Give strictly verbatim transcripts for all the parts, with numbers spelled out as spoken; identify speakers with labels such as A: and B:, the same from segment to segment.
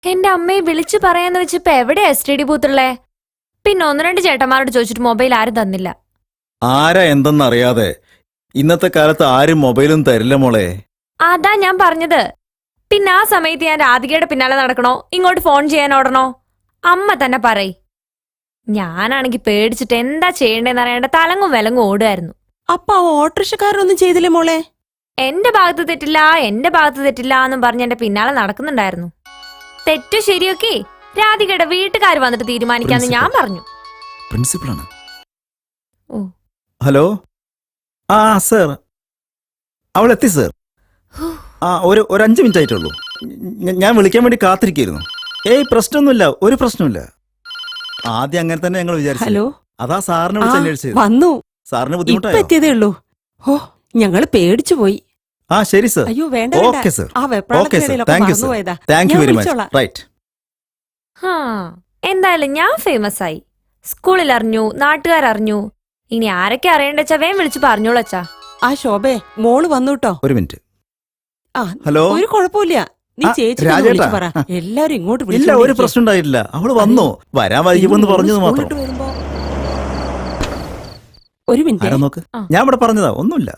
A: എന്റെ അമ്മയെ വിളിച്ചു പറയാന്ന് വെച്ചിപ്പോ എവിടെയാ എസ് ടി ഡി ബൂത്തുള്ളേ? പിന്നെ ഒന്ന് രണ്ട് ചേട്ടന്മാരോട് ചോദിച്ചിട്ട് മൊബൈൽ ആരും തന്നില്ല.
B: ആരാ എന്തെന്നറിയാതെ ഇന്നത്തെ കാലത്ത് ആരും മൊബൈലും തരില്ല മോളെ.
A: അതാ ഞാൻ പറഞ്ഞത്. പിന്നെ ആ സമയത്ത് ഞാൻ രാധികയുടെ പിന്നാലെ നടക്കണോ, ഇങ്ങോട്ട് ഫോൺ ചെയ്യാൻ ഓടണോ? അമ്മ തന്നെ പറയ്. ഞാനാണെങ്കി പേടിച്ചിട്ട് എന്താ ചെയ്യണ്ടേന്ന് അറിയാണ്ട് തലങ്ങും വിലങ്ങും ഓടുമായിരുന്നു.
C: അപ്പൊ ആ ഓട്ടോറിക്ഷക്കാരനൊന്നും ചെയ്തില്ലേ മോളെ?
A: എന്റെ ഭാഗത്ത് തെറ്റില്ല, എന്റെ ഭാഗത്ത് തെറ്റില്ല എന്നും പറഞ്ഞ് എന്റെ പിന്നാലെ നടക്കുന്നുണ്ടായിരുന്നു. തെറ്റു ശരിയൊക്കെ രാധികയുടെ വീട്ടുകാർ വന്നിട്ട് തീരുമാനിക്കാന്ന് ഞാൻ പറഞ്ഞു.
B: പ്രിൻസിപ്പളാണ്.
A: ഓ
B: ഹലോ. ആ സർ, അവൾ എത്തി സർ. ആ ഒരു ഒരു അഞ്ച് മിനിറ്റ് ആയിട്ടുള്ളൂ. ഞാൻ വിളിക്കാൻ വേണ്ടി കാത്തിരിക്കുന്നു. ഏയ് പ്രശ്നമൊന്നുമില്ല, ഒരു പ്രശ്നമില്ല. ആദ്യം അങ്ങനെ തന്നെ ഞങ്ങൾ വിചാരിച്ചു.
C: ഹലോ,
B: അതാ സാറിനെ വിളിച്ച് അന്വേഷിച്ചത്.
C: വന്നു.
B: സാറിന്
C: ഇപ്പൊ
B: ബുദ്ധിമുട്ടായോ?
C: എത്തിയതേ ഉള്ളൂ. ഓ, ഞങ്ങള് പേടിച്ചു പോയി.
B: ആ ശരി സർ.
C: അയ്യോ വേണ്ട
B: ഓക്കെ സർ.
C: ആ
B: ഓക്കെ സർ.
C: വെപ്രാളത്തിനിടയിലൊക്കെ
B: താങ്ക് യു സർ.
C: മറന്നുപോയതാ.
B: താങ്ക് യു
C: ഞാൻ
B: വെരി മച്ച്.
C: വിളിച്ചോളാം.
B: റൈറ്റ്.
A: ഹാ, എന്തായാലും ഞാൻ ഫേമസ് ആയി. സ്കൂളിൽ അറിഞ്ഞു, നാട്ടുകാരറിഞ്ഞു. ഇനി ആരൊക്കെ അറിയണ്ടെച്ചാ വേം വിളിച്ചു പറഞ്ഞോളൂ അച്ഛാ.
C: ആ ശോഭേ, മോള് വന്നു കേട്ടോ.
B: ഒരു മിനിറ്റ്.
C: ആ
B: ഹലോ.
C: ഒരു കുഴപ്പമില്ല. നീ
B: ആ,
C: ചേച്ചി
B: രാജേട്ടാ.
C: വിളിച്ചു പറ. എല്ലാരും ഇങ്ങോട്ട്
B: ഇല്ല, ഒരു പ്രശ്നം ഉണ്ടായിട്ടില്ല. അവള് വന്നു. വരാൻ വൈകുമെന്ന് പറഞ്ഞത് മാത്രം.
C: ഒരു മിനിറ്റ്.
B: ആരാ നോക്ക്.
A: ആ.
B: ഞാൻ ഇവിടെ പറഞ്ഞതാ, ഒന്നുമില്ല.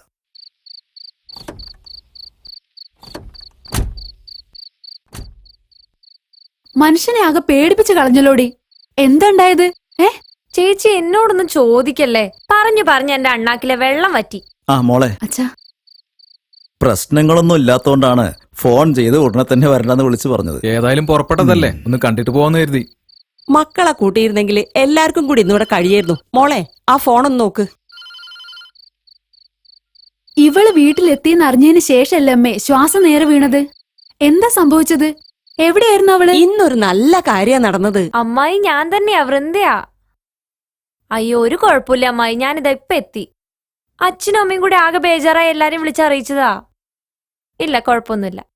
D: മനുഷ്യനെ ആകെ പേടിപ്പിച്ച് കളഞ്ഞല്ലോടി. എന്താണ്ടായത്? ഏ
A: ചേച്ചി എന്നോടൊന്നും ചോദിക്കല്ലേ. പറഞ്ഞു പറഞ്ഞ് എന്റെ അണ്ണാക്കിലെ വെള്ളം വറ്റി.
B: ആ മോളെ,
D: അച്ഛാ,
B: പ്രശ്നങ്ങളൊന്നും ഇല്ലാത്തോണ്ടാണ് ഫോൺ ചെയ്ത് ഉടനെ തന്നെ വരണ്ടെന്ന് വിളിച്ചു പറഞ്ഞത്.
E: ഏതായാലും പുറപ്പെട്ടതല്ലേ, ഒന്ന് കണ്ടിട്ട് പോവാന്ന് കരുതി.
C: മക്കളെ കൂട്ടിയിരുന്നെങ്കിൽ എല്ലാവർക്കും കൂടി ഇന്നിവിടെ കഴിയായിരുന്നു. മോളെ, ആ ഫോണൊന്ന് നോക്ക്.
D: ഇവള് വീട്ടിലെത്തിയെന്ന് അറിഞ്ഞതിന് ശേഷല്ലേ അമ്മേ ശ്വാസം നേരെ വീണത്? എന്താ സംഭവിച്ചത്? എവിടെയായിരുന്നു അവള്?
C: ഇന്നൊരു നല്ല കാര്യ നടന്നത്.
A: അമ്മായി ഞാൻ തന്നെയാ, വൃന്ദയാ. അയ്യോ ഒരു കുഴപ്പമില്ല അമ്മായി, ഞാനിതാ ഇപ്പൊ എത്തി. അച്ഛനും അമ്മയും കൂടി ആകെ ബേജാറായി എല്ലാരും വിളിച്ചറിയിച്ചതാ. ഇല്ല, കുഴപ്പമൊന്നുമില്ല.